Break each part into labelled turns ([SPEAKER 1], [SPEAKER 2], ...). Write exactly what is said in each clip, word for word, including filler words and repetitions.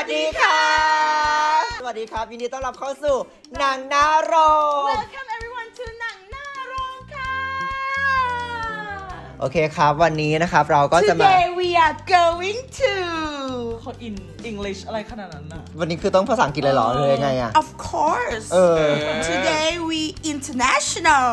[SPEAKER 1] ดีค่ะสวัสดีครับยินดีต้อนรับเข้าสู่หนังหน้าโรง
[SPEAKER 2] Welcome everyone to หนังหน้าโรงค่ะ
[SPEAKER 1] โอเคครับวันนี้นะครับเราก็จะมา
[SPEAKER 2] Today we are going to คนอิน English อะไรขนาดนั้นนะ
[SPEAKER 1] วันนี้คือต้องภาษาอังกฤษเลยเหรอหรือยังไงอะ
[SPEAKER 2] Of course
[SPEAKER 1] เออ
[SPEAKER 2] Today we international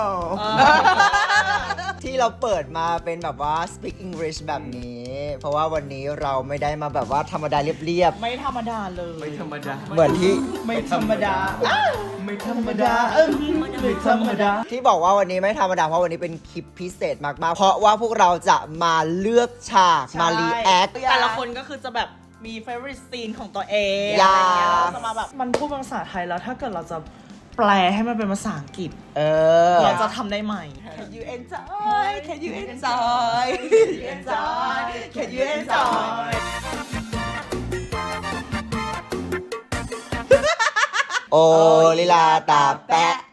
[SPEAKER 1] ที่เราเปิดมาเป็นแบบว่า speak English แบบนี้ เพราะว่าวันนี้เราไม่ได้มาแบบว่าธรรมดาเรียบ
[SPEAKER 2] ไม่ธรรมดาเลย
[SPEAKER 3] ไม่ธรรมดา
[SPEAKER 1] ๆเหมือนที่
[SPEAKER 2] ไม่ธรรมดา
[SPEAKER 3] ไม่ธรรมดา
[SPEAKER 2] เออไม่ธรรมดา
[SPEAKER 1] ที่บอกว่าวันนี้ไม่ธรรมดาเพราะวันนี้เป็นคลิปพิเศษมากๆเพราะว่าพวกเราจะมาเลือกฉากมา react
[SPEAKER 2] แต่ละคนก็คือจะแบบมี favorite scene ของตัวเอง
[SPEAKER 1] อย่า
[SPEAKER 2] อะไรเงี้ยเราจะมาแบบมันพูดเป็นภาษาไทยแล้วถ้าเกิดเราจะแปลให้มันเป็นภาษาอังกฤษ
[SPEAKER 1] เออ
[SPEAKER 2] เราจะทำได้ไหม Can you enjoy Can you enjoy Can you enjoy Can you enjoy
[SPEAKER 1] โอลิลาตาแปะ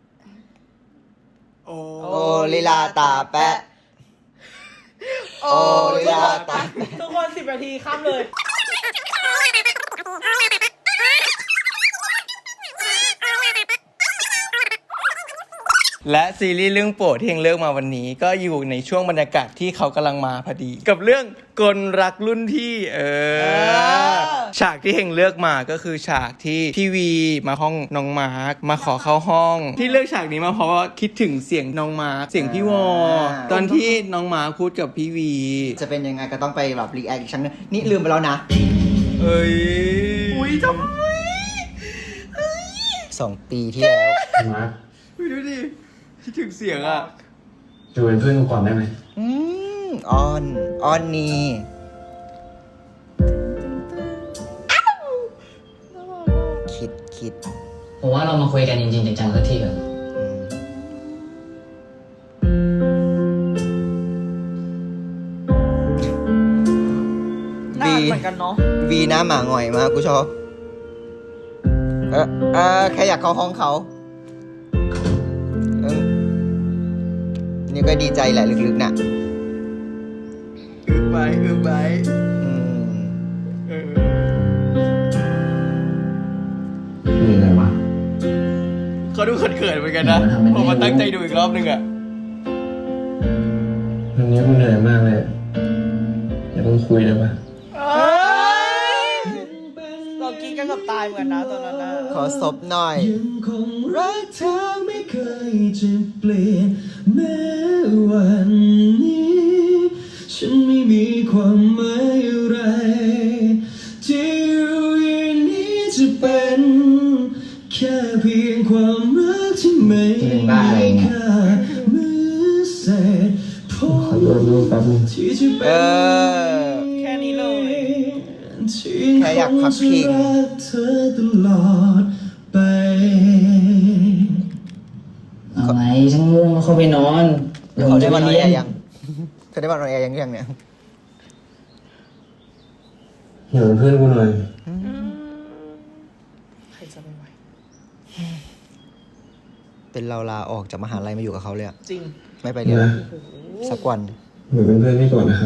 [SPEAKER 3] โอ้
[SPEAKER 1] โอลิลาตาแปะโอลิลาตาแปะ
[SPEAKER 2] ทุกคนสิบนาทีข้ามเลย
[SPEAKER 3] และซีรีส์เรื่องโปรดที่เฮงเลือกมาวันนี้ก็อยู่ในช่วงบรรยากาศที่เขากำลังมาพอดี กับเรื่องกลรักรุ่นพี่เออฉากที่เฮงเลือกมาก็คือฉากที่พี่วีมาห้องน้องมาร์คมาขอเข้าห้อง ที่เลือกฉากนี้มาเพราะว่าคิดถึงเสียงน้องมาร์คเสียงพี่วอตอนที่น้องมาร์คพูดกับพี่วี
[SPEAKER 1] จะเป็นยังไงก็ต้องไปแบบรีแอคอีกครั้งนึงนี่ลืมไปแล้วนะ
[SPEAKER 3] เอ้ย
[SPEAKER 2] อุ้ยทำไม
[SPEAKER 1] สองปีที่แล้ว
[SPEAKER 4] มาร์ค
[SPEAKER 3] อุ๊ยดูดิคิดถึงเสียงอ่ะ
[SPEAKER 4] อยู่เป็นเพื่อนกูก่อนได้ไหม
[SPEAKER 1] อืมออนออนนี่คิดคิด
[SPEAKER 5] ผมว่าเรามาคุยกันจริงๆจังๆสักทีเถอะ
[SPEAKER 2] นานเหมือนกันเนาะ
[SPEAKER 1] วีหน้าหมาหงอยมากกูชอบเออเออแค่อยากเข้าห้องเขาเออนี่ก็ดีใจแหละลึกๆน่ะ
[SPEAKER 3] อึบไปอึบไป
[SPEAKER 1] อืม
[SPEAKER 3] เออ
[SPEAKER 4] มีอะไรวะ
[SPEAKER 3] เขาดูเขินๆเหมือนกันนะผมมาตั้งใจดูอีกรอบนึงอ่ะ
[SPEAKER 4] วันนี้กูเหนื่อยมากเลยอย่าต้องคุยได้ปะ
[SPEAKER 2] เรากินกันกับตายเหมือนนะตอนนั้นนะ
[SPEAKER 1] ขอศพหน่อย
[SPEAKER 6] ยังคงรักเธอไม่เคยจะเปลี่ยนแม้วันนี้ฉันไม่มีความหมายอะไรที่อยู่อย่างนี้จะเป็นแค่เพียงความรักที่ไม่มีค่าเหมือนเศษผ
[SPEAKER 4] ขอโทษลูกแป๊บนึง
[SPEAKER 6] ที่จะเป็
[SPEAKER 1] เอน อ
[SPEAKER 2] แค่นี้เลย
[SPEAKER 1] แค่อยากพักพิง
[SPEAKER 6] เธอตลอดไป
[SPEAKER 5] เอาไหมฉันง่วงแล้วเข้าไปนอน
[SPEAKER 1] เขาได้วันออน
[SPEAKER 5] เรี
[SPEAKER 1] แอร์ยังเขาได้วันออนแอร์ยังยังเนี่ย
[SPEAKER 4] อยู่เป็นเพื่อนกูหน่อย
[SPEAKER 2] ใครจะไปไหว
[SPEAKER 1] เป็นเราลาออกจากมหาลัยมาอยู่กับเขาเลยอะ
[SPEAKER 2] จริง
[SPEAKER 1] ไม่ไปเรียน
[SPEAKER 4] นะ
[SPEAKER 1] สักวัน
[SPEAKER 4] อยู่เป็นเพื่อนพี่ก่อนนะครับ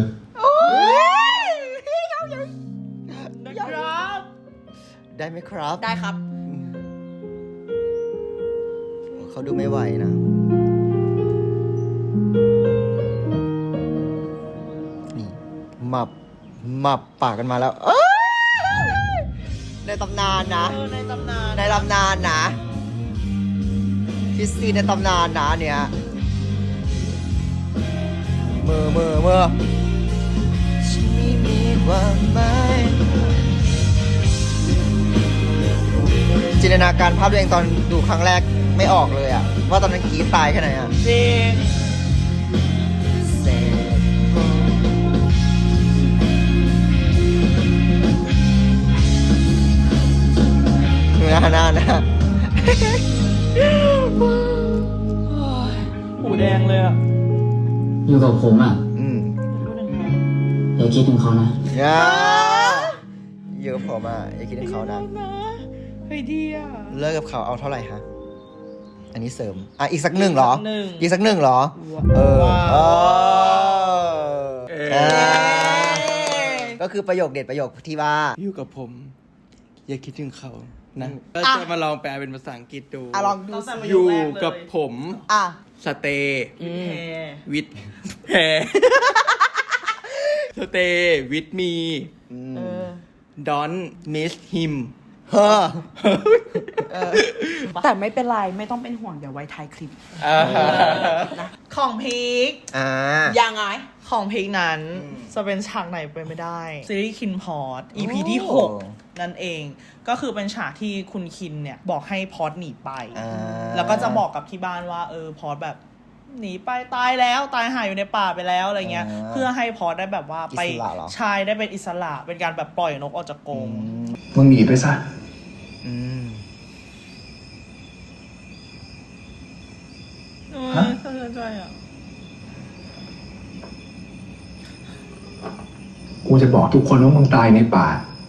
[SPEAKER 2] นะครับ
[SPEAKER 1] ได้ไหมครับ
[SPEAKER 2] ได้ครับ
[SPEAKER 1] เขาดูไม่ไหวนะ นี่หมับหมับปากกันมาแล้วเอ้ยในตำนานนะ
[SPEAKER 2] เออในตำนาน
[SPEAKER 1] ในตำนานนะคริสตีนในตำนานนะเนี่ยมือมือมือฉันไม่มีความหมายจินตนาการภาพตัวเองตอนดูครั้งแรกไม่ออกเลยอะว่าตอนนั้นกรีดตายแค่ไหนอะ
[SPEAKER 2] จริง
[SPEAKER 1] เสร็จหน้าหน้าหน้า
[SPEAKER 2] หูแดงเลยอ่ะ
[SPEAKER 5] อยู่กับผมอ่ะ
[SPEAKER 1] อืม
[SPEAKER 5] อย่าคิดถึงเขานะ
[SPEAKER 1] อย่าอยู่กับผมอ่ะอย่าคิดถึงเขานะ
[SPEAKER 2] เฮ้ยดีอ่ะ
[SPEAKER 1] เลิกกับเขาเอาเท่าไหร่ฮะ อันนี้เสริม อ่ะ อีกสักหนึ่งเหรอ
[SPEAKER 2] หนึ่ง
[SPEAKER 1] อีกสักหนึ่งเหรอ เออ
[SPEAKER 2] ว้าว
[SPEAKER 1] เออ
[SPEAKER 3] เออ
[SPEAKER 1] ก็คือประโยคเด็ดประโยคที่ว่า
[SPEAKER 3] อยู่กับผมอย่าคิดถึงเขานะก็จะมาลองแปลเป็นภาษาอังกฤษดู
[SPEAKER 2] อ่ะลองดูสิ
[SPEAKER 3] อยู่กับผม
[SPEAKER 2] อ่ะ
[SPEAKER 3] สเตย์
[SPEAKER 2] อืม
[SPEAKER 3] วิดแพรสเตย์วิดมี
[SPEAKER 2] เออ
[SPEAKER 3] ดอนมิสฮิม
[SPEAKER 1] เฮ้อ
[SPEAKER 2] แต่ไม่เป็นไรไม่ต้องเป็นห่วงเดี๋ยวไว้ท้ายคลิปนะของพีค
[SPEAKER 1] อ่า
[SPEAKER 2] ยังไงของเพลงนั้นจะเป็นฉากไหนไปไม่ได้ ซีรีส์คินพอร์ต อี พี ที่
[SPEAKER 1] โอ้
[SPEAKER 2] หก นั่นเอง ก็คือเป็นฉากที่คุณคินเนี่ย บอกให้พอร์ตหนีไป
[SPEAKER 1] อ่า
[SPEAKER 2] แล้วก็จะบอกกับที่บ้านว่า เออพอร์ตแบบหนีไปตายแล้วตายหายอยู่ในป่าไปแล้วอะไรเงี้ย
[SPEAKER 1] อ่า
[SPEAKER 2] เพื่อให้พอร์ตได้แบบว่าไป
[SPEAKER 1] อิสระเหรอ
[SPEAKER 2] ชายได้เป็นอิสระ เป็นการแบบปล่อยนกออกจากกรง
[SPEAKER 6] มึงหนีไปซะ
[SPEAKER 1] อืม
[SPEAKER 2] ฮะสะเทือนใจอ่ะ
[SPEAKER 6] กูจะบอกทุกคนว่ามึงตายในป่า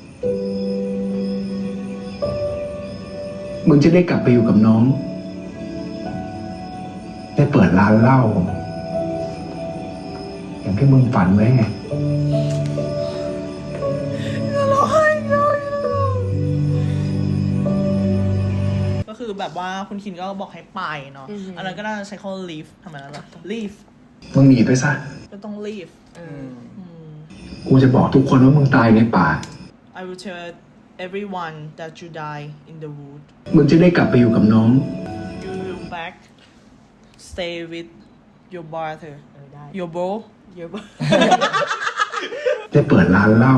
[SPEAKER 6] มึงจะได้กลับไปอยู่กับน้อง ได้เปิดร้านเหล้า อย่างที่มึงฝันไว้ไง
[SPEAKER 2] ก็คือแบบว่าคุณคินก็บอกให้ไปเนาะ อันนั้นก็น่าจะใช้คำว่า leave ทำไมนั่นล่ะ leave
[SPEAKER 6] มึงหนีไปซะ
[SPEAKER 2] ก็ต้อง leave
[SPEAKER 6] กูจะบอกทุกคนว่ามึงตายในป่า
[SPEAKER 2] I will tell everyone that you die in the wood
[SPEAKER 6] มึงจะได้กลับไปอยู่กับน้อง
[SPEAKER 2] you will back stay with your brother your bro your bro
[SPEAKER 6] ได้เปิดร้านเหล้า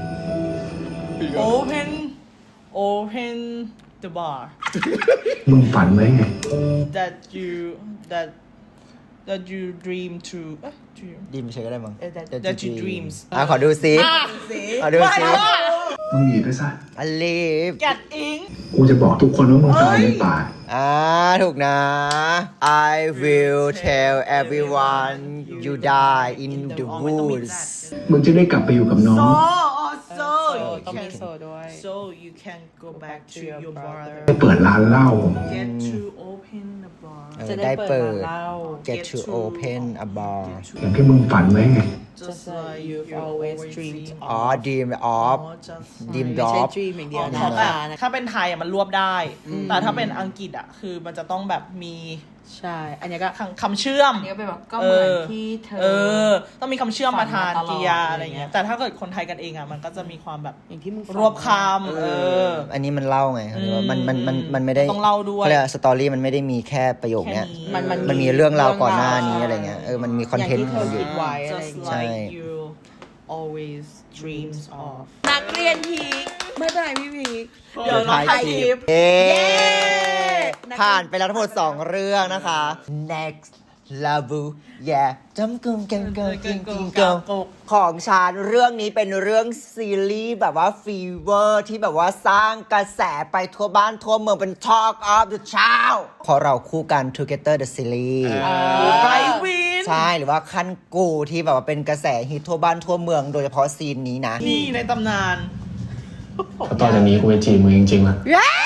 [SPEAKER 2] open open the bar
[SPEAKER 6] มึงฝันไว้ไง
[SPEAKER 2] that you that that you dream to เอ๊ะ dream
[SPEAKER 1] ดีมใช้ก็ได้มั้ง
[SPEAKER 2] เออ that- that you dreams
[SPEAKER 1] อ่ะขอดูซิ ขอดูซิ
[SPEAKER 6] มึงหนีไปซะ
[SPEAKER 1] อลีฟ
[SPEAKER 2] get in
[SPEAKER 6] กูจะบอกทุกคนว่ามึงตายในป่า
[SPEAKER 1] อ่า ถูกนะ I will tell everyone you die in the woods
[SPEAKER 6] มึงจะได้กลับไปอยู่กับน้อง
[SPEAKER 2] so also you
[SPEAKER 7] ต้องมี
[SPEAKER 2] can
[SPEAKER 7] โซด้วย
[SPEAKER 2] so you can go back to your brother
[SPEAKER 6] ได้เปิดร้านเหล้า
[SPEAKER 2] get to open the bar
[SPEAKER 1] เออ
[SPEAKER 7] จะได้
[SPEAKER 1] ได้เปิด
[SPEAKER 7] เปิดร้านเหล้า
[SPEAKER 1] get to open a bar
[SPEAKER 6] อย่างที่มึงฝันไว้ไง
[SPEAKER 2] just like
[SPEAKER 7] you've
[SPEAKER 2] you
[SPEAKER 7] always
[SPEAKER 2] always
[SPEAKER 7] dreamed
[SPEAKER 2] dream
[SPEAKER 1] อ๋อ dream of
[SPEAKER 2] of just
[SPEAKER 1] dream
[SPEAKER 7] ไม่ใช่
[SPEAKER 1] of
[SPEAKER 7] dream อย่างเดียว
[SPEAKER 2] อ๋อ
[SPEAKER 7] นะ
[SPEAKER 2] เพราะแบบถ้าเป็นไทยอ่ะมันรวบได้ แต่ถ้าเป็นอังกฤษอ่ะคือมันจะต้องแบบมี
[SPEAKER 7] ใช่ อันนี้ก็
[SPEAKER 2] คำคำเชื่อม
[SPEAKER 7] อันนี้ก็เป็นแบบก็เหมือนที่เธอ
[SPEAKER 2] เออ ต้องมีคำเชื่อมมาทาน
[SPEAKER 7] ฝันมาตลอด
[SPEAKER 2] กริยาอะไรเงี้ย
[SPEAKER 7] อะไรเงี้ย
[SPEAKER 2] แต่ถ้าเกิดคนไทยกันเองอ่ะมันก็จะมีความแบบ
[SPEAKER 7] อย่างที่มึง
[SPEAKER 2] รวบคำเออ
[SPEAKER 1] อันนี้มันเล่าไง
[SPEAKER 2] อืม
[SPEAKER 1] มันมันมันมันไม่ได้
[SPEAKER 2] ต้องเล่าด้วย
[SPEAKER 1] ขรีกสตอรี่มันไม่ได้มีแค่ประโยคเนี้ย
[SPEAKER 2] แค่นี้
[SPEAKER 7] มันมัน
[SPEAKER 1] มันมีเรื่องราวก่อนหน้านี้
[SPEAKER 7] ใช่
[SPEAKER 1] อะไรเงี้ย เออ มันมีคอนเทนต์
[SPEAKER 7] อย่างที่เธอ
[SPEAKER 1] อยู่
[SPEAKER 7] คิดไว้ อะไร
[SPEAKER 2] just
[SPEAKER 7] อย่างเงี้ย
[SPEAKER 1] ใช่
[SPEAKER 2] like you always dreams of
[SPEAKER 7] นักเรียนพีคไม่เป็นไรพี่พีค
[SPEAKER 2] เดี๋ยวเราถ่ายคลิป
[SPEAKER 1] เอ๊
[SPEAKER 7] เย้
[SPEAKER 1] ผ่านไปแล้วทั้งหมดสองเรื่องนะคะ next love yeah จำกึ่งเก่งเกินจริงจริงเกินของฉันเรื่องนี้เป็นเรื่องซีรีส์แบบว่าฟีเวอร์ที่แบบว่าสร้างกระแสไปทั่วบ้านทั่วเมืองเป็น Talk of the Town เพราะเราคู่กัน Together the Series
[SPEAKER 2] ไรวิน
[SPEAKER 1] ใช่หรือว่าขั้นกูที่แบบว่าเป็นกระแสฮิตทั่วบ้านทั่วเมืองโดยเฉพาะซีนนี้นะ
[SPEAKER 2] นี่ในตำนาน
[SPEAKER 4] ถ้าต่อจากนี้กูจะจีบมึงจริงๆละ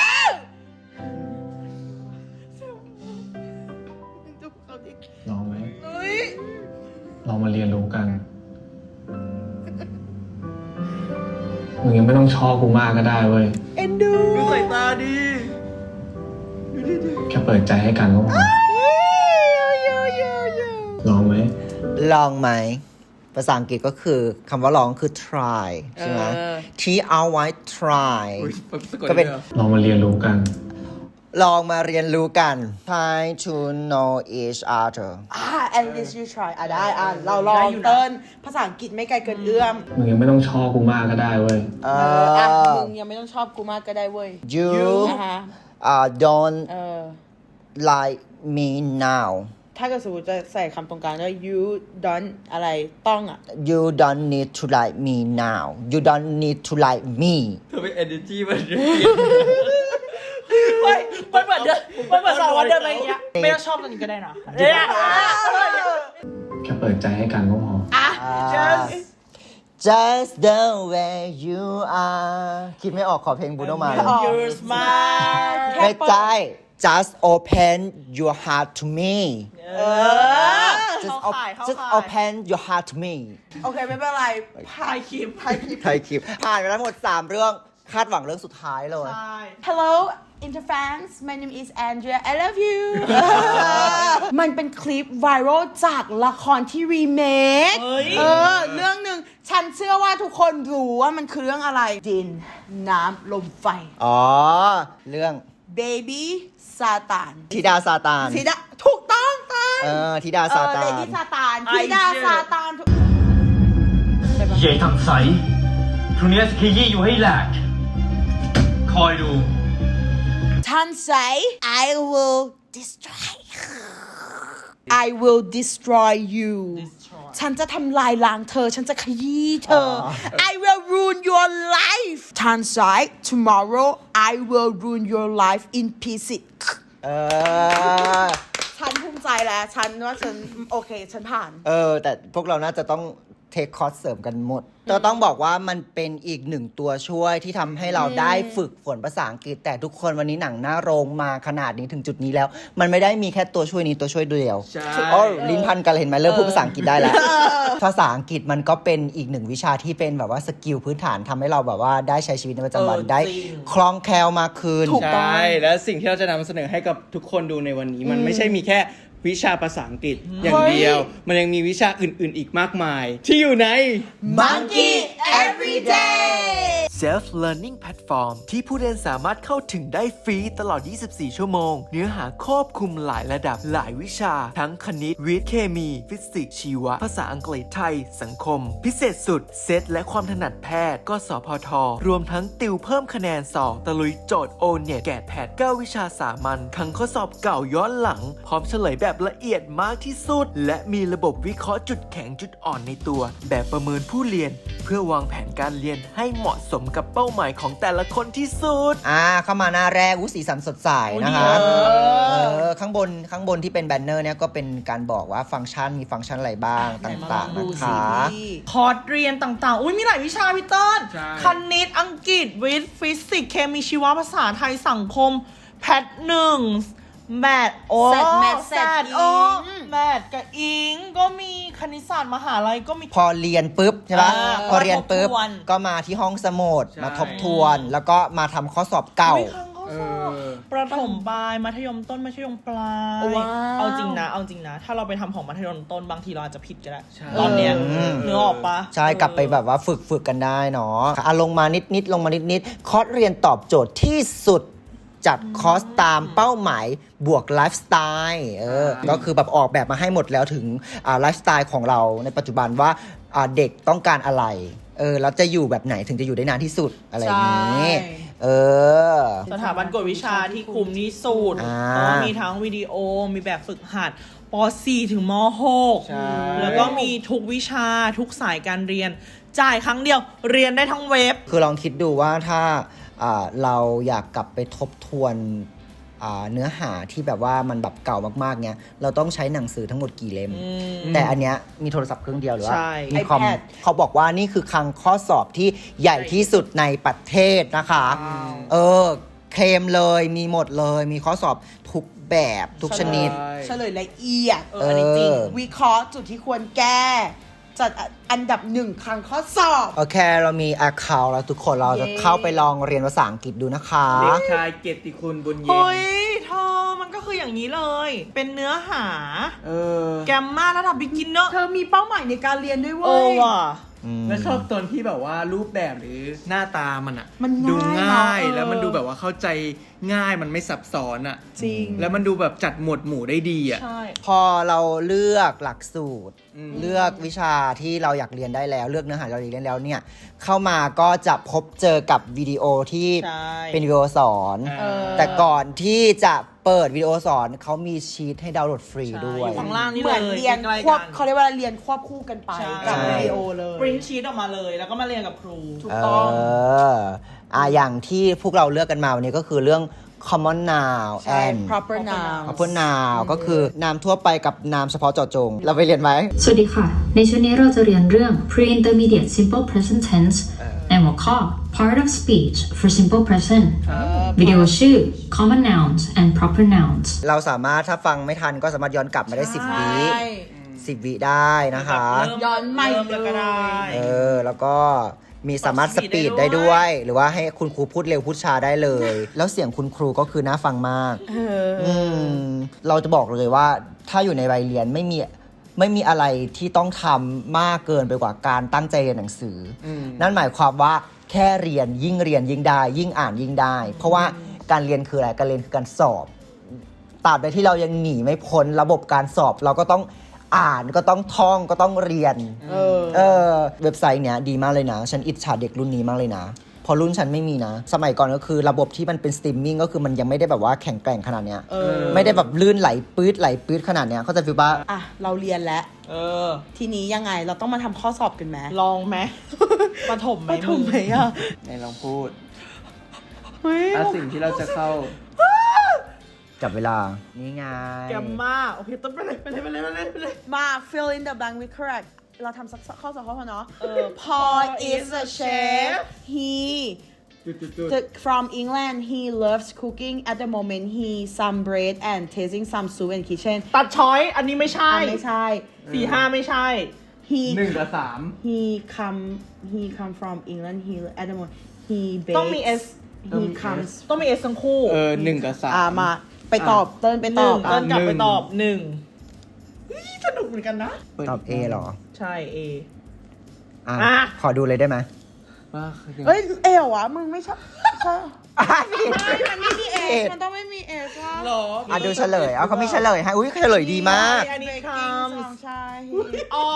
[SPEAKER 4] ลองไหมลองมาเรียนรู้กัน มึงยังไม่ต้องชอบกูมากก็ได้เว้ย
[SPEAKER 2] ดูสายตาดี
[SPEAKER 4] แค่เปิดใจให้กันก็พอลองไหม
[SPEAKER 1] ลองไหม ภาษาอังกฤษก็คือคำว่าลองคือ try ใช่ไหม
[SPEAKER 7] เออ
[SPEAKER 1] T R Y try ก็
[SPEAKER 3] ก็
[SPEAKER 1] เป็
[SPEAKER 3] เป็น น
[SPEAKER 4] ลองมาเรียนรู้กัน
[SPEAKER 1] ลองมาเรียนรู้กัน try to know each other
[SPEAKER 7] อ่า at least you try อ่ะได้อ่ะเราลองเติ้ลภาษาอังกฤษไม่ไกลเกินเอื้อม
[SPEAKER 4] มึงยังไม่ต้องชอบกูมากก็ได้เว้ย
[SPEAKER 1] เอ
[SPEAKER 7] เอออ่ะ
[SPEAKER 1] อ
[SPEAKER 7] มึงยังไม่ต้องชอบกูมากก็ได้เว้ย
[SPEAKER 1] you
[SPEAKER 7] อ่ะฮะ
[SPEAKER 1] uh, don't
[SPEAKER 7] เออ
[SPEAKER 1] like me now
[SPEAKER 7] ถ้าเกิดสมมติจะใส่คำตรงกลางด้วย you don't อะไรต้องอ่ะ
[SPEAKER 1] you don't need to like me now you don't need to like me
[SPEAKER 3] เธอเป็น energy มัน
[SPEAKER 2] ไม่มันเหมือนเดินมันเหมือนสองวันเดินไปอย่างเงี้ย ไม่ต้องชอบตอนนี้ก็ได้นะเนี่ย
[SPEAKER 4] แค่เปิดใจให้กันก็พอ
[SPEAKER 2] just
[SPEAKER 1] just the way you are คิดไม่ออกขอเพลงบูโนมาเลย
[SPEAKER 2] your smile
[SPEAKER 1] ไม่ใช่ just open your heart to me
[SPEAKER 2] เออ
[SPEAKER 1] just
[SPEAKER 2] เข้า
[SPEAKER 1] op-
[SPEAKER 2] ข่ายเข้า
[SPEAKER 1] just
[SPEAKER 2] ข่าย
[SPEAKER 1] open your heart to me
[SPEAKER 7] โอเคไม่เป็นไร
[SPEAKER 2] ถ่ายคลิปถ่ายคลิป
[SPEAKER 1] ไทยคลิป ผ่านไปแล้วทั้งหมด สาม เรื่องคาดหวังเรื่องสุดท้ายเลย
[SPEAKER 7] Hello Interfans my name is Andrea I love you มันเป็นคลิปไวรัลจากละครที่รีเมคเออเรื่องหนึ่งฉันเชื่อว่าทุกคนรู้ว่ามันคือเรื่องอะไร ดินน้ำลมไฟ
[SPEAKER 1] อ๋อ เรื่อง
[SPEAKER 7] Baby ซาตาน
[SPEAKER 1] ธิดาซาตาน
[SPEAKER 7] ธิดาถูกต้องตาน
[SPEAKER 1] เออธิดาซาตา
[SPEAKER 7] เล
[SPEAKER 1] น
[SPEAKER 7] ดี้ซาตานธิดาซาตานถูก
[SPEAKER 8] ใหญ่ทำใสพรุ่งนี้จะขยี้อยู่ให้แหลก คอยดู
[SPEAKER 7] ท่านใส่ I will destroy I will destroy you ฉันจะทำลายล้างเธอ ฉันจะขยี้เธอ I will ruin your life ท่านใส่ tomorrow I will ruin your life in pieces
[SPEAKER 1] เออ
[SPEAKER 7] ฉันภูมิใจแล้ว ฉันว่าฉันโอเค ฉันผ่าน
[SPEAKER 1] เออ แต่พวกเราน่าจะต้องเทคคอร์สเสริมกันหมดเราต้องบอกว่ามันเป็นอีกหนึ่งตัวช่วยที่ทำให้เราได้ฝึกฝนภาษาอังกฤษ แต่ทุกคนวันนี้หนังหน้าโรงมาขนาดนี้ถึงจุดนี้แล้ว มันไม่ได้มีแค่ตัวช่วยนี้ตัวช่วยเดียว
[SPEAKER 3] ใช่
[SPEAKER 1] อ๋อลิ้นพันกันเลยเห็นไหมเริ่มพูดภาษาอังกฤษได้แล้ว ภาษาอังกฤษมันก็เป็นอีกหนึ่งวิชาที่เป็นแบบว่าสกิลพื้นฐานทำให้เราแบบว่าได้ใช้ชีวิตในประจำวัน
[SPEAKER 7] เออ
[SPEAKER 1] ได้
[SPEAKER 7] จริง
[SPEAKER 1] คล่องแคล่วมากขึ้น
[SPEAKER 7] ถูก
[SPEAKER 3] ใช่และสิ่งที่เราจะนำเสนอให้กับทุกคนดูในวันนี้ มันไม่ใช่มีแค่วิชาภาษาอังกฤษอย่างเดียว มันยังมีวิชาอื่น ๆ อีกมากมาย ที่อยู่ใน
[SPEAKER 7] Monkey Everyday
[SPEAKER 9] Self Learning Platform ที่ผู้เรียนสามารถเข้าถึงได้ฟรีตลอด ยี่สิบสี่ ชั่วโมง เนื้อหาครอบคลุมหลายระดับหลายวิชา ทั้งคณิต วิทย์ เคมี ฟิสิกส์ ชีวะ ภาษาอังกฤษไทย สังคม พิเศษสุด เซตและความถนัดแพทย์ ก็สพท รวมทั้งติวเพิ่มคะแนนสอบ ตะลุยโจทย์ โอ เน็ต แกะแพทเก้าวิชาสามัญทั้งข้อสอบเก่าย้อนหลัง พร้อมเฉลยแบบละเอียดมากที่สุด และมีระบบวิเคราะห์จุดแข็งจุดอ่อนในตัว แบบประเมินผู้เรียน เพื่อวางแผนการเรียนให้เหมาะสมกับเป้าหมายของแต่ละคนที่สุด
[SPEAKER 1] อ่าเข้ามาหน้าแรกวุ้สีสันสดใสนะคะ
[SPEAKER 7] เออ
[SPEAKER 1] เออข้างบนข้างบนที่เป็นแบนเนอร์เนี่ยก็เป็นการบอกว่าฟังก์ชันมีฟังก์ชันอะไรบ้างต่างๆนะคะ
[SPEAKER 2] คอร์สเรียนต่างๆ อุ้ยมีหลายวิชาพี่เติ้ล
[SPEAKER 3] ใช่
[SPEAKER 2] คณิต อังกฤษ วิทย์ ฟิสิกส์ เคมี ชีวะ ภาษาไทย สังคม แพทหนึ่ง แมทโอ้
[SPEAKER 7] แซดแมท
[SPEAKER 2] แซ
[SPEAKER 7] แซด
[SPEAKER 2] ดโอ้
[SPEAKER 7] อิง
[SPEAKER 2] แมทกับอิง ก็มีคณิตศาสตร์มหาลัยก็มี
[SPEAKER 1] พอเรียนปุ๊บใช่ปะ
[SPEAKER 2] อ่า
[SPEAKER 1] พอเรียนปุ๊บ
[SPEAKER 2] มาทบทวน
[SPEAKER 1] ก็มาที่ห้องสมุด
[SPEAKER 3] ใช่
[SPEAKER 1] มาทบทวน แล้วก็มาทำข้อสอบเก่า
[SPEAKER 2] อุ๊ยครั้งข้อสอบประถมปลายมัธยมต้นมัธยมปลาย
[SPEAKER 7] ว้าว
[SPEAKER 2] เอาจริงนะ เอาจริงนะ ถ้าเราไปทำของมัธยมต้นบางทีเราอาจจะผิดก็ได้
[SPEAKER 3] ใช่
[SPEAKER 2] ตอนเนี้ย
[SPEAKER 1] อืม
[SPEAKER 2] เนื้อออกปะ
[SPEAKER 1] ใช่กลับไปแบบว่าฝึกฝึกกันได้เนาะอ่ะลงมานิดนิดลงมานิดนิดคอร์สเรียนตอบโจทย์ที่สุดจัดคอร์สตามเป้าหมายบวกไลฟ์สไตล์เออก็คือแบบออกแบบมาให้หมดแล้วถึงอ่าไลฟ์สไตล์ของเราในปัจจุบันว่าอ่าเด็กต้องการอะไรเออแล้วจะอยู่แบบไหนถึงจะอยู่ได้นานที่สุดอะไรอย่างนี้
[SPEAKER 7] ใช่
[SPEAKER 1] เออ
[SPEAKER 2] สถาบันกวดวิชาที่คุมที่สุด
[SPEAKER 1] อ่า
[SPEAKER 2] เพราะว่ามีทั้งวิดีโอ มีแบบฝึกหัดป .สี่ ถึงม หก
[SPEAKER 3] ใช่
[SPEAKER 2] แล้วก็มีทุกวิชาทุกสายการเรียน จ่ายครั้งเดียวเรียนได้ทั้งเว็บ
[SPEAKER 1] คือลองคิดดูว่าถ้าอ่าเราอยากกลับไปทบทวนอ่าเนื้อหาที่แบบว่ามันแบบเก่ามากๆเนี้ยเราต้องใช้หนังสือทั้งหมดกี่เล่ม แต่อันเนี้ยมีโทรศัพท์เครื่องเดียวหรือว่า
[SPEAKER 2] ใช่
[SPEAKER 1] มีคอม
[SPEAKER 7] iPad
[SPEAKER 1] เขาบอกว่านี่คือคลังข้อสอบที่ใหญ่ที่สุดในประเทศนะคะ เออ เคลมเลยมีหมดเลยมีข้อสอบทุกแบบทุกชนิด
[SPEAKER 7] เฉลยละเอียด
[SPEAKER 2] เอออันนี้จริง
[SPEAKER 1] เออ
[SPEAKER 7] วิเคราะห์จุดที่ควรแก้ จัดอันดับหนึ่งครั้งข้อสอบ
[SPEAKER 1] โอเค เรามี account แล้วทุกคนเราจะ
[SPEAKER 7] เย้
[SPEAKER 1] เข้าไปลองเรียนภาษาอังกฤษดูนะคะ
[SPEAKER 3] เด็กชายเกียรติคุณบุญเย็น
[SPEAKER 2] เฮ้ยเธอมันก็คืออย่างนี้เลย เป็นเนื้อหา
[SPEAKER 3] เออ
[SPEAKER 2] แกมมาระดับ beginner
[SPEAKER 7] เธอมีเป้าหมายในการเรียนด้วย
[SPEAKER 2] เอ
[SPEAKER 7] เว้
[SPEAKER 2] อย ว่ะ
[SPEAKER 1] อืม
[SPEAKER 3] แล้วชอบตอนที่แบบว่ารูปแบบหรือหน้าตามันอะ
[SPEAKER 7] มันง่าย
[SPEAKER 3] ดูง่าย
[SPEAKER 7] เนอะ
[SPEAKER 3] แล้วมันดูแบบว่าเข้าใจง่ายมันไม่ซับซ้อนอะ
[SPEAKER 2] จริง
[SPEAKER 3] แล้วมันดูแบบจัดหมวดหมู่ได้ดีอะ
[SPEAKER 2] ใช่
[SPEAKER 1] พอเราเลือกหลักสูตร
[SPEAKER 3] อืม
[SPEAKER 1] เลือกวิชาที่เราอยากเรียนได้แล้ว เลือกเนื้อหาเราอยากเรียนแล้วเนี่ยเข้ามาก็จะพบเจอกับวิดีโอที่
[SPEAKER 2] ใช่
[SPEAKER 1] เป็นวิดีโอสอน
[SPEAKER 2] เออ
[SPEAKER 1] แต่ก่อนที่จะเปิดวิดีโอสอนเขามีชีทให้ดาวน์โหลดฟรีด้วย
[SPEAKER 2] อยู่ข้างล่างนี่
[SPEAKER 7] เห
[SPEAKER 2] เล
[SPEAKER 7] มือน
[SPEAKER 2] ย
[SPEAKER 7] เรียน
[SPEAKER 2] ใกล้ๆ
[SPEAKER 7] ควบ
[SPEAKER 2] กัน
[SPEAKER 7] เขาเรียกว่าเรียนควบคู่กันไป
[SPEAKER 2] ใช่
[SPEAKER 7] กับวิดีโอเลย
[SPEAKER 2] ปริ้นชีตออกมาเลย แล้วก็มาเรียนกับครู
[SPEAKER 7] ถูก
[SPEAKER 1] เอ
[SPEAKER 7] ต้อง
[SPEAKER 1] ออ่ะอย่างที่พวกเราเลือกกันมาวันนี้ก็คือเรื่อง common noun
[SPEAKER 7] ใช่
[SPEAKER 1] and
[SPEAKER 7] proper noun
[SPEAKER 1] proper noun ก็คือนามทั่วไปกับนามเฉพาะเจาะจง เราไปเรียนไหม
[SPEAKER 10] สวัสดีค่ะ ในชุดนี้เราจะเรียนเรื่อง pre-intermediate simple present tense ในหัวข้อ part of speech for simple present วิดีโอชื่อ common nouns and proper nouns
[SPEAKER 1] เราสามารถถ้าฟังไม่ทันก็สามารถย้อนกลับมาได้สิบวิ
[SPEAKER 7] ใช่
[SPEAKER 1] สิบวิได้นะคะ
[SPEAKER 2] เริ่ม
[SPEAKER 7] ย้อนใหม่
[SPEAKER 2] เริ่มเลยก็ได้
[SPEAKER 1] เออ แล้วก็มีสามารถสปีดได้ด้วย หรือว่าให้คุณครูพูดเร็วพูดช้าได้เลย แล้วเสียงคุณครูก็คือน่าฟังมาก
[SPEAKER 7] เออ
[SPEAKER 1] อืมเราจะบอกเลยว่าถ้าอยู่ในวัยเรียนไม่มีไม่มีอะไรที่ต้องทำมากเกินไปกว่าการตั้งใจเรียนหนังสืออ
[SPEAKER 3] ม
[SPEAKER 1] นั่นหมายความว่าแค่เรียนยิ่งเรียนยิ่งได้ ยิ่งอ่านยิ่งได้ เพราะว่าการเรียนคืออะไรการเรียนคือการสอบตราบใดที่เรายังหนีไม่พ้นระบบการสอบ เราก็ต้องอ่านก็ต้องท่องก็ต้องเรียน
[SPEAKER 7] เออ
[SPEAKER 1] เออเว็บไซต์เนี้ยดีมากเลยนะ ฉันอิจฉาเด็กรุ่นนี้มากเลยนะเพอรุ่นฉันไม่มีนะ สมัยก่อนก็คือระบบที่มันเป็นสตรีมมิ่งก็คือมันยังไม่ได้แบบว่าแข็งแกร่งขนาดเนี้ย
[SPEAKER 7] เออ
[SPEAKER 1] ไม่ได้แบบลื่นไหลปื๊ดไหลปื๊ดขนาดเนี้ยเขาใจะฟีลว่า
[SPEAKER 7] อ่ะ เราเรียนแล้ว
[SPEAKER 2] เออ
[SPEAKER 7] ทีนี้ยังไงเราต้องมาทำข้อสอบกันไหม
[SPEAKER 2] ลองไหมปฐมไหม
[SPEAKER 7] ปฐมไหมอ่ะ
[SPEAKER 3] ไหนลองพูด
[SPEAKER 7] เฮ้ย
[SPEAKER 3] อ่ะสิ่งที่เราจะเข้า
[SPEAKER 1] จับเวลา นี่ไง
[SPEAKER 2] แกมมากโอเคต้นไปเลยไปเลยไปเลยไปเลยไปเลย
[SPEAKER 7] มา fill in the blank with correct เราทำสักข้อสอบข้อพอเนาะ เออ Paul is a chef he the, from England he loves cooking at the moment he some bread and tasting some soup in kitchen
[SPEAKER 2] ตัดช้อยอันนี้ไม่ใช่
[SPEAKER 7] อ่ะไม่ใช่
[SPEAKER 2] สี่ห้าไม่ใช่
[SPEAKER 7] he
[SPEAKER 3] หนึ่งกับสาม
[SPEAKER 7] he come he come from England he at the moment he bakes
[SPEAKER 2] ต้องมี S
[SPEAKER 7] he comes
[SPEAKER 2] ต้องมีเอสทั้งคู่
[SPEAKER 3] เออหนึ่งกับสาม
[SPEAKER 7] อ่ามาไปตอบเติ้ลไป
[SPEAKER 2] ห
[SPEAKER 7] ตอ
[SPEAKER 2] นึ่
[SPEAKER 7] บ
[SPEAKER 2] ง
[SPEAKER 7] อ่ะ
[SPEAKER 2] เติ้ลกลับ
[SPEAKER 3] หนึ่
[SPEAKER 2] ไป
[SPEAKER 3] ง
[SPEAKER 2] ตอบหนึ่งเฮ้ยสนุกเหมือนกันนะ
[SPEAKER 1] ตอบ A เหรอ
[SPEAKER 2] ใช่ A
[SPEAKER 1] อ่ะ
[SPEAKER 2] อ่ะ
[SPEAKER 1] ขอดูเลยได้ไหม
[SPEAKER 3] ว่าคือ
[SPEAKER 7] เอ้ยเอววะมึงไม่ใช่ใช่
[SPEAKER 1] อ่ะผิด
[SPEAKER 7] ไม่มันไม่มีเอสมันต้องไม่มีเอสว่ะ
[SPEAKER 2] หรอ
[SPEAKER 1] อ่ะดูเฉลยเอาเขามีเฉลยให้อุ้ยเฉลยดีมาก
[SPEAKER 2] อันนี้ค
[SPEAKER 7] ใช่
[SPEAKER 2] ำอ๋อ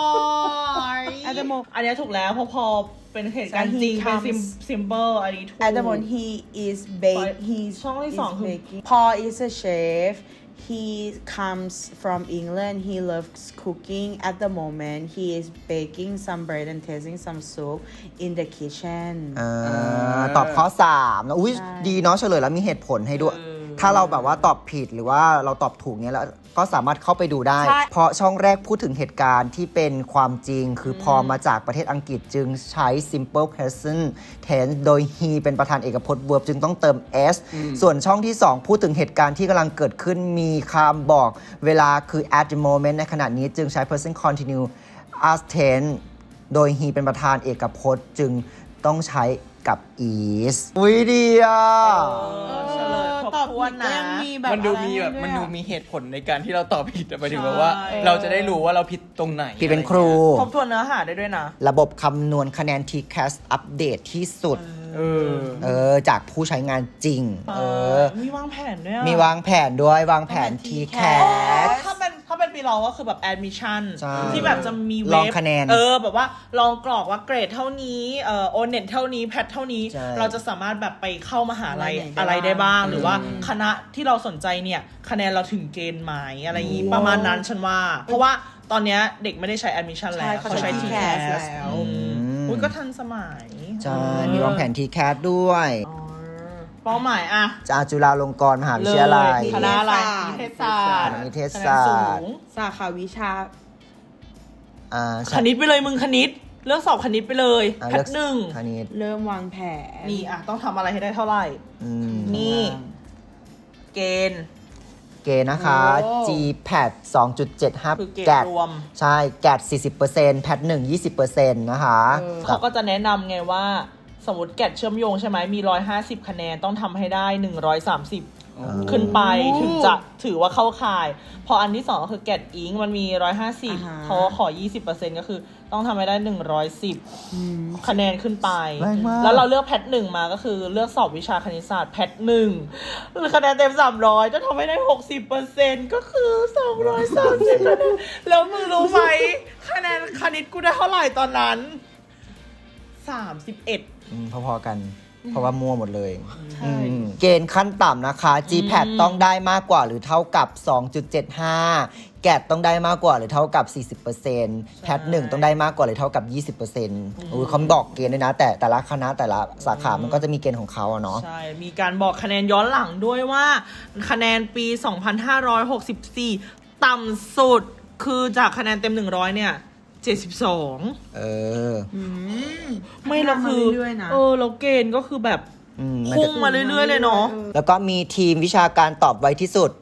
[SPEAKER 7] At the moment
[SPEAKER 2] อันนี้ถูกแล้วเพราะพอเป็นเหตุการณ์จริง
[SPEAKER 7] He
[SPEAKER 2] เป็น
[SPEAKER 7] comes
[SPEAKER 2] ซิมเปิลอันนี้ถูก
[SPEAKER 7] At the moment he is bake he's
[SPEAKER 2] ช่องที่สองคือ
[SPEAKER 7] baking Paul is a chef he comes from England he loves cooking at the moment he is baking some bread and tasting some soup in the kitchen
[SPEAKER 1] อ่าตอบข้อสามแล้วอุ้ย
[SPEAKER 7] ใช่
[SPEAKER 1] ดีเนาะเฉลยแล้วมีเหตุผลให้ด้วย ถ้าเราแบบว่าตอบผิดหรือว่าเราตอบถูกเนี้ยแล้วก็สามารถเข้าไปดูได้
[SPEAKER 7] ใช่
[SPEAKER 1] เพราะช่องแรกพูดถึงเหตุการณ์ที่เป็นความจริง คือพอมาจากประเทศอังกฤษจึงใช้ simple present tense โดย he เป็นประธานเอกพจน์ verb จึงต้องเติม s ส่วนช่องที่ สอง พูดถึงเหตุการณ์ที่กำลังเกิดขึ้นมีคำบอกเวลาคือ at the moment ในขณะนี้จึงใช้ present continue as tense โดย he เป็นประธานเอกพจน์จึงต้องใช้กับ is อุ้ยดีอ่ะ
[SPEAKER 2] เฉลยครบ
[SPEAKER 7] ตอบ
[SPEAKER 2] ถ้วน
[SPEAKER 7] ผิดก็
[SPEAKER 2] นะ
[SPEAKER 7] ยังมีแบบ
[SPEAKER 3] มันดูมีแบบ
[SPEAKER 7] อะไร
[SPEAKER 3] มัน
[SPEAKER 7] ให้
[SPEAKER 3] ดู
[SPEAKER 7] วยอะ
[SPEAKER 3] มีเหตุผลในการที่เราตอบผิดอะหมายถึงแบบว่า
[SPEAKER 2] ใช่
[SPEAKER 3] เราจะได้รู้ว่าเราผิดตรงไหน
[SPEAKER 1] ผิดเป็นครู
[SPEAKER 2] ครบถ้วนเนื้อหาได้ด้วยนะ
[SPEAKER 1] ระบบคำนวณคะแนน ที แคส อัปเดตที่สุด
[SPEAKER 3] เออ
[SPEAKER 1] เออ จากผู้ใช้งานจริง เออ
[SPEAKER 2] มีวางแผนด้วยอะ
[SPEAKER 1] มีวางแผนด้วยวางแผน ที แคส
[SPEAKER 2] ถ้าเป็นถ้าเป็นปีเราก็คือแบบ admission
[SPEAKER 1] ใช่
[SPEAKER 2] ที่แบบจะมี
[SPEAKER 1] ล
[SPEAKER 2] เว็
[SPEAKER 1] อง
[SPEAKER 2] บ
[SPEAKER 1] คะแนน
[SPEAKER 2] เออแบบว่าลองกรอกว่าเกรดเท่านี้เอ่อโอเน็ตเท่านี้แพทเท่านี้
[SPEAKER 1] ใช่
[SPEAKER 2] เราจะสามารถแบบไปเข้ามหาลัย
[SPEAKER 7] อะไรไหนได้
[SPEAKER 2] อะไรได้บ้าง
[SPEAKER 7] บ้าง
[SPEAKER 2] หรือว่าคณะที่เราสนใจเนี่ยคะแนนเราถึงเกณฑ์ไหมอะไรอย่างงี้ประมาณนั้นฉันว่า เพราะว่าตอนเนี้ยเด็กไม่ได้ใช้ admission แล้ว
[SPEAKER 7] ใช่เขาใช้
[SPEAKER 2] ที
[SPEAKER 7] ที
[SPEAKER 2] แค
[SPEAKER 7] แค
[SPEAKER 2] ส
[SPEAKER 7] ส
[SPEAKER 2] แล้ว
[SPEAKER 1] อืม
[SPEAKER 2] อุ้ยก็ทันสมัย
[SPEAKER 1] ใช่ มีวางแผน ที แคส ด้วย
[SPEAKER 2] อ๋อเป้าหมายอะ
[SPEAKER 1] จากจุฬาลงกรณ์มหาวิทยาลัย
[SPEAKER 2] คณะอะไรนิเทศศาสตร์
[SPEAKER 1] นิเทศ
[SPEAKER 2] คะแน
[SPEAKER 1] ศาน
[SPEAKER 2] สู
[SPEAKER 1] สตร์
[SPEAKER 2] ง
[SPEAKER 7] สาขาวิชา
[SPEAKER 1] อ่า
[SPEAKER 2] คณิตไปเลยมึงคณิตเลือกสอบคณิตไปเลย
[SPEAKER 1] อ่า
[SPEAKER 2] แพ
[SPEAKER 1] เลื
[SPEAKER 2] ท
[SPEAKER 1] อก
[SPEAKER 2] หนึ่ง
[SPEAKER 1] คณิต
[SPEAKER 7] เริ่มวางแผน
[SPEAKER 2] นี่อ่ะต้องทำอะไรให้ได้เท่าไหร่
[SPEAKER 1] อืม
[SPEAKER 2] นี่ เกณฑ์
[SPEAKER 1] เกณฑ์นะคะ
[SPEAKER 7] โอ้
[SPEAKER 1] จี แพท สองจุดเจ็ดห้า
[SPEAKER 2] คือเกรด
[SPEAKER 1] แกด
[SPEAKER 2] รวม
[SPEAKER 1] ใช่ แกด สี่สิบเปอร์เซ็นต์ แพทหนึ่ง ยี่สิบเปอร์เซ็นต์ นะคะ
[SPEAKER 2] เขาก็จะแนะนำไงว่า สมมติแกดเชื่อมโยงใช่ไหมมีหนึ่งร้อยห้าสิบคะแนนต้องทำให้ได้หนึ่งร้อยสามสิบขึ้นไปถึงจะถือว่าเข้าข่าย พออันที่สองก็คือแกดอิงมันมีหนึ่งร้อยห้าสิบ
[SPEAKER 7] อ่าฮะ
[SPEAKER 2] เขาก็ขอ ยี่สิบเปอร์เซ็นต์ ก็คือต้องทำให้ได้หนึ่งร้อยสิบคะแนนขึ้นไป
[SPEAKER 1] แรงมาก
[SPEAKER 2] แล้วเราเลือกแพทหนึ่งมาก็คือเลือกสอบวิชาคณิตศาสตร์แพทหนึ่งคะแนนเต็มสามร้อยจะทำให้ได้หกสิบเปอร์เซ็นต์ก็คือสองร้อยสามสิบคะแนนแล้วมึงรู้ไหมคะแนนคณิตกูได้เท่าไหร่ตอนนั้นสามสิบเอ็ด
[SPEAKER 1] อืมพอๆกัน เพราะว่ามั่วหมดเลยอืมเกณฑ์ขั้นต่ำนะคะ จี แพท ต้องได้มากกว่าหรือเท่ากับ สองจุดเจ็ดห้า แกดต้องได้มากกว่าหรือเท่ากับ สี่สิบเปอร์เซ็นต์ แพทหนึ่งต้องได้มากกว่าหรือเท่ากับ ยี่สิบเปอร์เซ็นต์ อุ้ยเขาบอกเกณฑ์ด้วยนะ แต่แต่ละคณะแต่ละสาขามันก็จะมีเกณฑ์ของเขาอะเนาะ
[SPEAKER 2] ใช่ มีการบอกคะแนนย้อนหลังด้วยว่าคะแนนปี สองพันห้าร้อยหกสิบสี่ ต่ำสุดคือจากคะแนนเต็ม หนึ่งร้อย เนี่ย เจ็ดสิบสอง
[SPEAKER 1] เออ
[SPEAKER 2] ไม่เราคือ
[SPEAKER 7] พัฒนามาเรื่อยๆนะ
[SPEAKER 2] เออเราเกณฑ์ก็คือแบบ
[SPEAKER 1] อืมมัน
[SPEAKER 2] พุ่
[SPEAKER 1] จะ
[SPEAKER 2] งมาเรื่อยๆเลยเนาะ
[SPEAKER 1] แล้วก็มีทีมวิชาการตอบไวที่สุด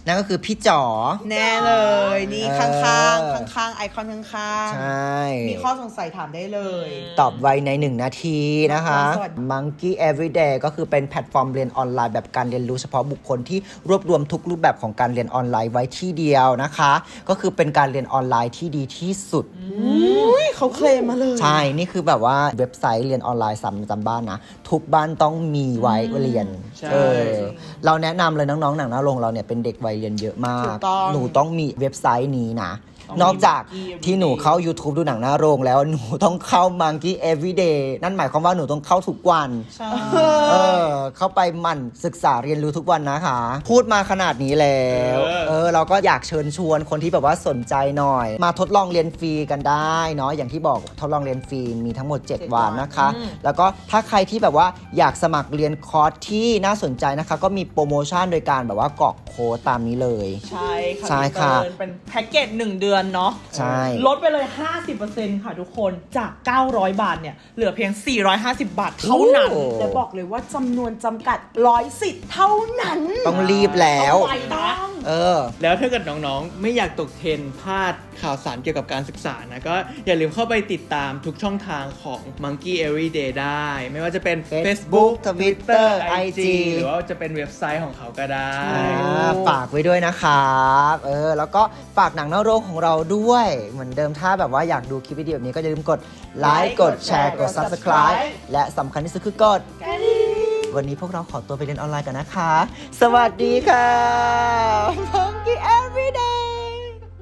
[SPEAKER 1] นั่นก็คือพี่จ๋อ
[SPEAKER 7] แน่เลย นี่
[SPEAKER 1] เออ
[SPEAKER 7] ข้างๆ ข้างๆ ไอคอนข้าง
[SPEAKER 1] ใช่
[SPEAKER 7] ๆ มีข้อสงสัยถามได้เลย
[SPEAKER 1] ตอบไวในหนึ่งนาทีนะคะ
[SPEAKER 7] สวัสดี
[SPEAKER 1] Monkey Everyday ก็คือเป็นแพลตฟอร์มเรียนออนไลน์แบบการเรียนรู้เฉพาะบุคคลที่รวบรวมทุกรูปแบบของการเรียนออนไลน์ไว้ที่เดียวนะคะ ก็คือเป็นการเรียนออนไลน์ที่ดีที่สุด
[SPEAKER 7] อุ้ยเขาเคลมมาเลย
[SPEAKER 1] ใช่ นี่คือแบบว่าเว็บไซต์เรียนออนไลน์สำจำบ้านนะ ทุกบ้านต้องมีไว้เรียน
[SPEAKER 3] ใช่
[SPEAKER 1] เออเราแนะนำเลยน้องๆ หนังหน้าโรงเราเนี่ยเป็นเด็กวัยเรียนเยอะมาก
[SPEAKER 7] ถูกต้อง
[SPEAKER 1] หนูต้องมีเว็บไซต์นี้นะ นอกจากที่หนูเข้า YouTube ดูหนังหน้าโรงแล้วหนูต้องเข้า Monkey Everyday นั่นหมายความว่าหนูต้องเข้าทุกวัน
[SPEAKER 2] ใช่
[SPEAKER 1] เออ เข้าไปหมั่นศึกษาเรียนรู้ทุกวันนะคะ พูดมาขนาดนี้แล้ว
[SPEAKER 3] เออ
[SPEAKER 1] เออ เราก็อยากเชิญชวนคนที่แบบว่าสนใจหน่อย มาทดลองเรียนฟรีกันได้เนาะ อย่างที่บอกทดลองเรียนฟรีมีทั้งหมด เจ็ด วันนะคะ แล้วก็ถ้าใครที่แบบว่าอยากสมัครเรียนคอร์สที่น่าสนใจนะคะ ก็มีโปรโมชั่นโดยการแบบว่ากรอกโค้ดตามนี้เลย
[SPEAKER 2] ใช่ค่ะ
[SPEAKER 1] ใช่ค่ะ
[SPEAKER 2] พี่เติ้ลเป็นแพ็กเกจหนึ่งเดือนเนาะ
[SPEAKER 1] ใช่
[SPEAKER 2] ลดไปเลย ห้าสิบเปอร์เซ็นต์ ค่ะทุกคนจาก เก้าร้อย บาทเนี่ย เหลือเพียง สี่ร้อยห้าสิบ บาทเท่านั้น
[SPEAKER 1] โอ้
[SPEAKER 7] แต่บอกเลยว่าจำนวนจำกัดร้อยสิทธิ์เท่านั้น
[SPEAKER 1] ต้องรีบแล้ว
[SPEAKER 2] ไปนะ
[SPEAKER 1] เออ
[SPEAKER 3] แล้วถ้าเกิดน้องๆ ไม่อยากตกเทรนด์พลาดข่าวสารเกี่ยวกับการศึกษานะ ก็อย่าลืมเข้าไปติดตามทุกช่องทางของ Monkey Everyday ได้ ไม่ว่าจะเป็น
[SPEAKER 1] Facebook Twitter ไอ จี
[SPEAKER 3] หรือว่าจะเป็นเว็บไซต์ของเขาก็ได้
[SPEAKER 1] อ่าฝากไว้ด้วยนะครับเออแล้วก็ฝากหนังหน้าโรงของเราด้วย เหมือนเดิมถ้าแบบว่าอยากดูคลิปวิดีโอแบบนี้ก็อย่าลืมกดไลค์กดแชร์กด Subscribe และสำคัญที่สุดคือกดวันนี้พวกเราขอตัวไปเรียนออนไลน์กันนะคะ สวัสดีค่ะ Monkey Everyday